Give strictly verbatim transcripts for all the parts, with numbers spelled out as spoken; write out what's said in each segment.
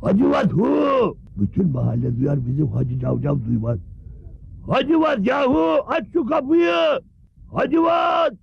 Hacivat hu! Bütün mahalle duyar, bizim Hacı Cavcav duymaz. Hacivat yahu! Aç şu kapıyı! Hacivat!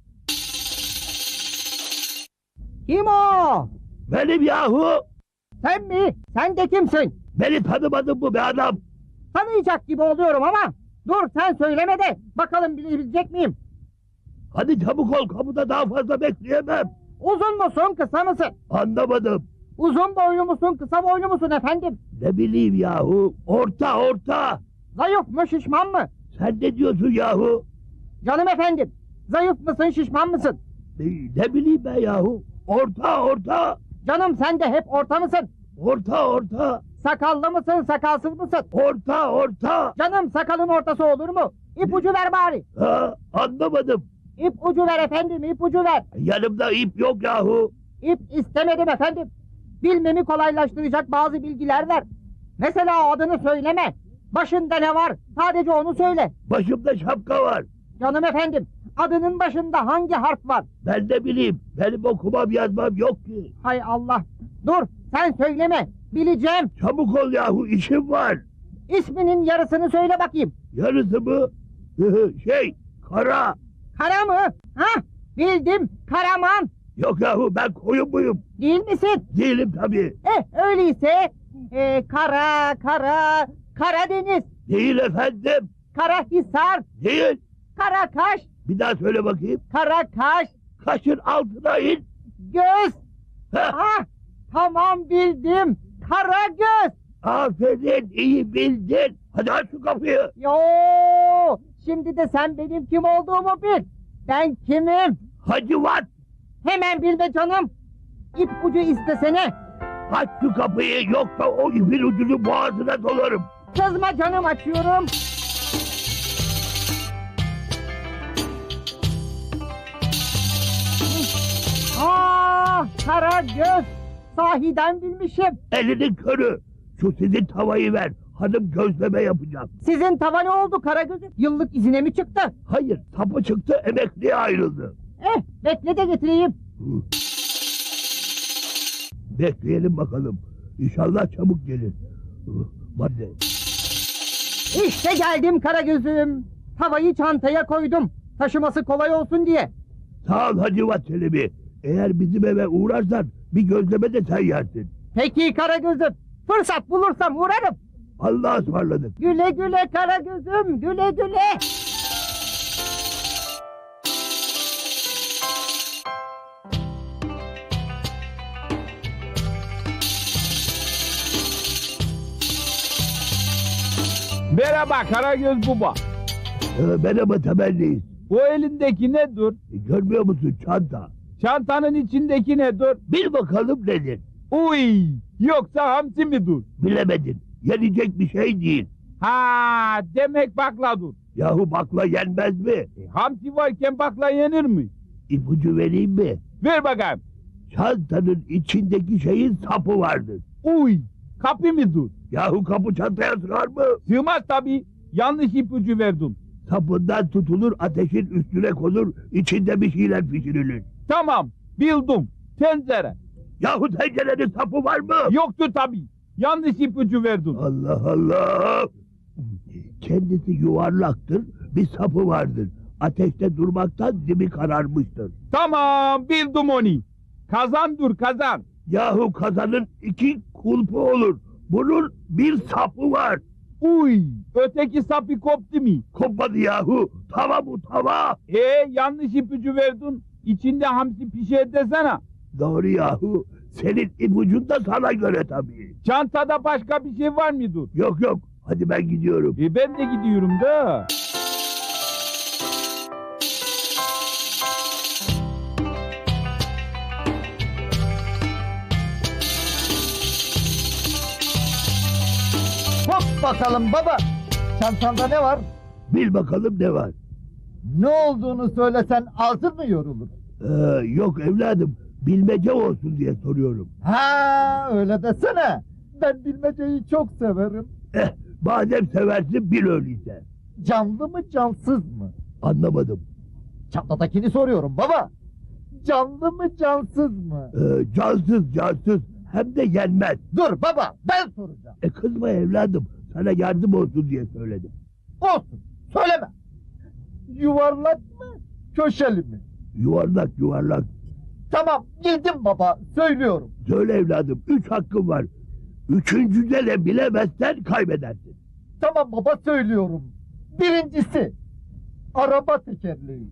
Kim o? Benim yahu! Sen mi? Sen de kimsin? Beni tanımadın mı be adam? Tanıyacak gibi oluyorum ama. Dur sen söyleme de bakalım bilebilecek miyim? Hadi çabuk ol, kapıda daha fazla bekleyemem. Uzun musun kısa mısın? Anlamadım. Uzun boylu musun kısa boylu musun efendim? Ne bileyim yahu? Orta orta! Zayıf mı şişman mı? Sen ne diyorsun yahu? Canım efendim. Zayıf mısın şişman mısın? Ne, ne bileyim ben yahu? Orta orta! Canım sen de hep orta mısın? Orta orta! Sakallı mısın sakalsız mısın? Orta orta! Canım sakalın ortası olur mu? İpucu ver bari. Ha, anlamadım. İpucu ver efendim ipucu ver. Yanımda ip yok yahu. İp istemedim efendim. Bilmemi kolaylaştıracak bazı bilgiler ver. Mesela adını söyleme. Başında ne var? Sadece onu söyle. Başımda şapka var. Canım efendim, adının başında hangi harf var? Ben de bileyim. Benim okumam yazmam yok ki. Hay Allah. Dur, sen söyleme. Bileceğim. Çabuk ol yahu, işim var. İsminin yarısını söyle bakayım. Yarısı mı? şey, kara. Kara mı? Hah, bildim. Karaman. Yok yahu, ben koyun muyum? Değil misin? Değilim tabii. Eh, öyleyse. E, kara, kara, Karadeniz. Değil efendim. Karahisar. Değil. Karakaş. Bir daha söyle bakayım. Karakaş. Kaşın altına in. Göz. Heh, Ah, tamam bildim. Karagöz. aferin, iyi bildin. Hadi aç şu kapıyı. Yo, şimdi de sen benim kim olduğumu bil. Ben kimim? Hacivat, Hemen bil be canım. İpucu istesene. aç şu kapıyı, yoksa o ipin ucunu boğazına dolarım. Kızma canım, açıyorum. Ah, Karagöz. Sahiden bilmişim. Elinin körü. Şu sizin tavayı ver. Hanım gözleme yapacağım. Sizin tava ne oldu Karagöz'üm? Yıllık izine mi çıktı? Hayır, sapı çıktı, emekliye ayrıldı. Eh, bekle de getireyim. Hı. Bekleyelim bakalım. İnşallah çabuk gelir. Hı, Hadi. İşte geldim Karagöz'üm. Tavayı çantaya koydum. Taşıması kolay olsun diye. Sağ ol Hacivat Çelebi. Eğer bizim eve uğrarsan bir gözleme de sen yersin. Peki Karagöz'üm. Fırsat bulursam uğrarım. Allah'a ısmarladık. Güle güle Karagöz'üm, güle güle. Merhaba Karagöz Baba. Ee, merhaba temelliyiz. Bu elindeki nedir? E, görmüyor musun çanta? Çantanın içindeki nedir? Bil bakalım nedir? Uy! Yoksa hamsi midir? Bilemedin. Yenecek bir şey değil. Ha, demek bakladır. Yahu bakla yenmez mi? E, hamsi varken bakla yenir mi? İpucu vereyim mi? Ver bakayım. Çantanın içindeki şeyin sapı vardır. Uy! Kapı mıdır? Yahu kapı çantaya sığar mı? Sığmaz tabii. Yanlış ipucu verdin. Sapından tutulur, ateşin üstüne konur, içinde bir şeyler pişirilir. Tamam, bildim. Tencere. Yahu tencerenin sapı var mı? Yoktu tabii. Yanlış ipucu verdin. Allah Allah! Kendisi yuvarlaktır, bir sapı vardır. Ateşte durmaktan dibi kararmıştır. Tamam, bildim onu. Kazan dur, kazan. Yahu kazanın iki kulpu olur. Bunun bir sapı var. Uy! Öteki sapı koptu mu? Kopmadı yahu. Tava bu tava. Ee, yanlış ipucu verdin. İçinde hamsi pişer desene. Doğru yahu. Senin ipucun da sana göre tabii. Çantada başka bir şey var mıdır? Yok yok. Hadi ben gidiyorum. E ben de gidiyorum da. Hop bakalım baba. Çantanda ne var? Bil bakalım ne var. Ne olduğunu söylesen ağzın mı yorulur? Ee, yok evladım. Bilmece olsun diye soruyorum. Ha öyle desene. Ben bilmeceyi çok severim. Eh, madem seversin bil öyleyse. Canlı mı cansız mı? Anlamadım. Çantadakini soruyorum baba. Canlı mı cansız mı? Ee, cansız cansız. hem de yenmez. Dur baba, ben soracağım. E kızma evladım, sana yardım olsun diye söyledim. Olsun, söyleme. Yuvarlak mı, köşeli mi? Yuvarlak yuvarlak. Tamam, bildim baba, söylüyorum. Söyle evladım, üç hakkın var. Üçüncüde de bilemezsen kaybedersin. Tamam baba, söylüyorum. Birincisi, araba tekerleği.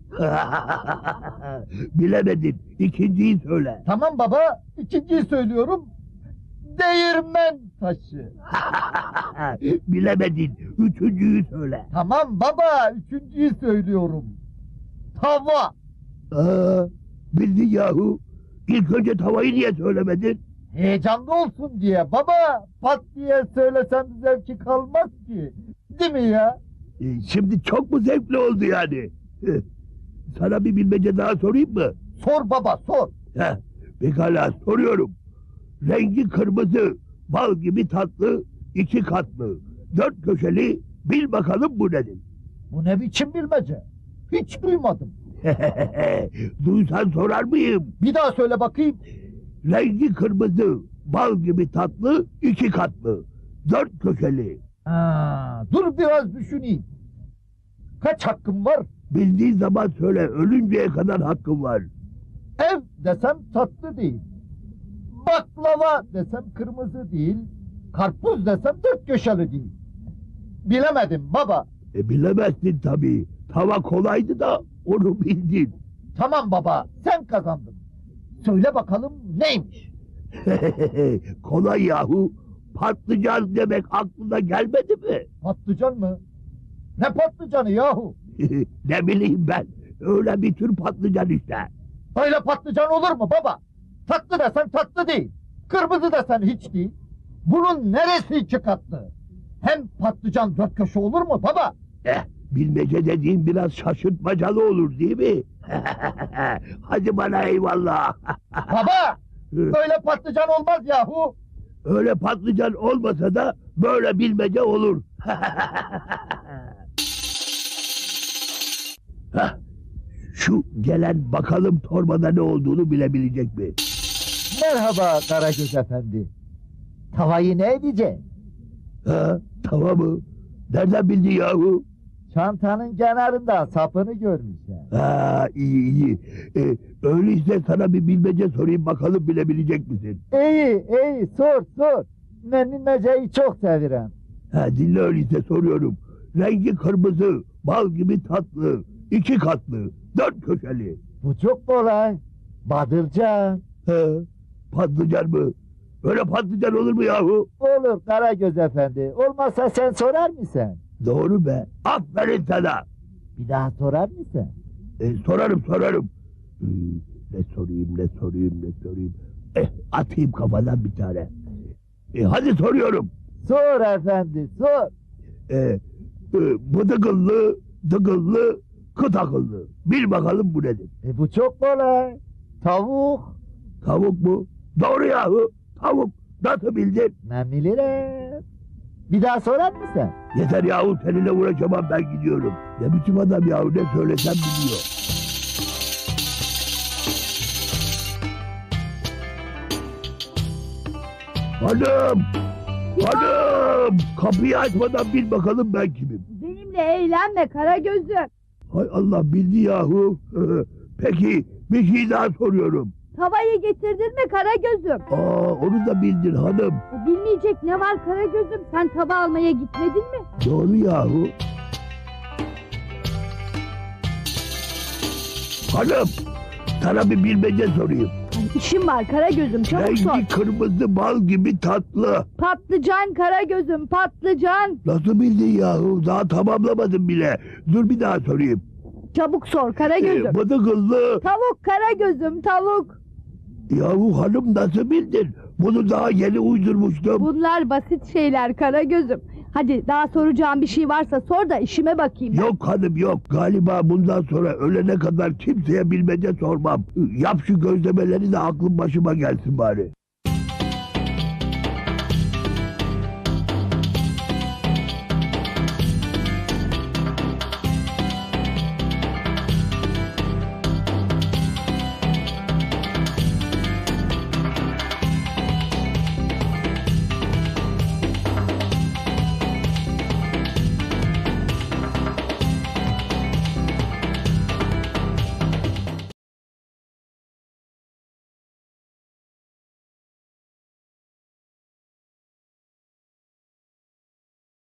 Bilemedin, ikinciyi söyle. Tamam baba, ikinciyi söylüyorum. Değirmen taşı. Bilemedin, üçüncüyü söyle. Tamam baba, üçüncüyü söylüyorum. Tava. Aa, bildin yahu. İlk önce tavayı niye söylemedin? Heyecanlı olsun diye baba, pat diye söylesem zevki kalmaz ki. Değil mi ya? E, şimdi çok mu zevkli oldu yani? Heh, sana bir bilmece daha sorayım mı? Sor baba, sor. Heh, pekala soruyorum. Rengi kırmızı, bal gibi tatlı, iki katlı, dört köşeli, bil bakalım bu nedir? Bu ne biçim bilmece? Hiç duymadım. Duysan sorar mıyım? Bir daha söyle bakayım. Rengi kırmızı, bal gibi tatlı, iki katlı, dört köşeli. Ha, dur biraz düşüneyim. Kaç hakkım var? Bildiğin zaman söyle, ölünceye kadar hakkın var. Ev desem tatlı değil. Baklava desem kırmızı değil. Karpuz desem dört köşeli değil. Bilemedim baba. E bilemezsin tabii. Tava kolaydı da onu bildin. Tamam baba, sen kazandın. Söyle bakalım neymiş? Kolay yahu. Patlıcan demek aklına gelmedi mi? Patlıcan mı? Ne patlıcanı yahu? Ne bileyim ben. Öyle bir tür patlıcan işte. Böyle patlıcan olur mu baba? Tatlı desen tatlı değil. Kırmızı desen hiç değil. Bunun neresi iki katlı? Hem patlıcan dört köşe olur mu baba? Eh, bilmece dediğin biraz şaşırtmacalı olur değil mi? Hadi bana eyvallah. Baba! Böyle patlıcan olmaz yahu. Öyle patlıcan olmasa da böyle bilmece olur. Hah, şu gelen bakalım torbada ne olduğunu bilebilecek mi? Merhaba Karagöz Efendi. Tavayı ne edeceksin? Ha, tamam mı? Nereden bildin yahu? Çantanın kenarından sapını görmüşler. Ha, iyi iyi. Ee, öyleyse sana bir bilmece sorayım bakalım bilebilecek misin? İyi iyi sor sor. Ben bilmeceyi çok severim. Ha, dinle öyleyse soruyorum. Rengi kırmızı, bal gibi tatlı, iki katlı, dört köşeli. Bu çok kolay. Badırcan. Ha, patlıcan mı? Öyle patlıcan olur mu yahu? Olur Karagöz Efendi. Olmazsa sen sorar mısın? Doğru be. Aferin sana. Bir daha sorar mısın? E, sorarım sorarım. Ee, ne sorayım ne sorayım ne sorayım. Eh, atayım kafadan bir tane. E, hadi soruyorum. Sor efendi sor. E, e, bıdıkıllı, dıkıllı, kıt akıllı. Bil bakalım bu nedir? E bu çok kolay. Tavuk. Tavuk mu? Doğru yahu. Tavuk. Nasıl bildin? Ben bilirim. Bir daha sorar mısın? Yeter yahu seninle uğraşamam ben gidiyorum. Ne biçim adam yahu ne söylesem biliyor. Hanım! Hanım! Kapıyı açmadan bil bakalım ben kimim. Benimle eğlenme Karagöz'üm. Hay Allah bildi yahu. Peki bir şey daha soruyorum. Tavayı getirdin mi Karagöz'üm? Aa onu da bildin hanım. E, Bilmeyecek ne var Karagöz'üm? Sen tava almaya gitmedin mi? Doğru yahu. Hanım sana bir bilmece sorayım. Ay, işim var Karagöz'üm, çabuk sor. Rengi kırmızı bal gibi tatlı. Patlıcan Karagöz'üm, patlıcan. Nasıl bildin yahu? Daha tamamlamadım bile. Dur bir daha sorayım. Çabuk sor Karagöz'üm. Ee, bıdıkıllı. Tavuk Karagöz'üm, tavuk. Yahu hanım nasıl bildin? Bunu daha yeni uydurmuştum. Bunlar basit şeyler Karagöz'üm. Hadi daha soracağım bir şey varsa sor da işime bakayım ben. Yok hanım yok. Galiba bundan sonra ölene kadar kimseye bilmece sormam. Yap şu gözlemeleri de aklım başıma gelsin bari.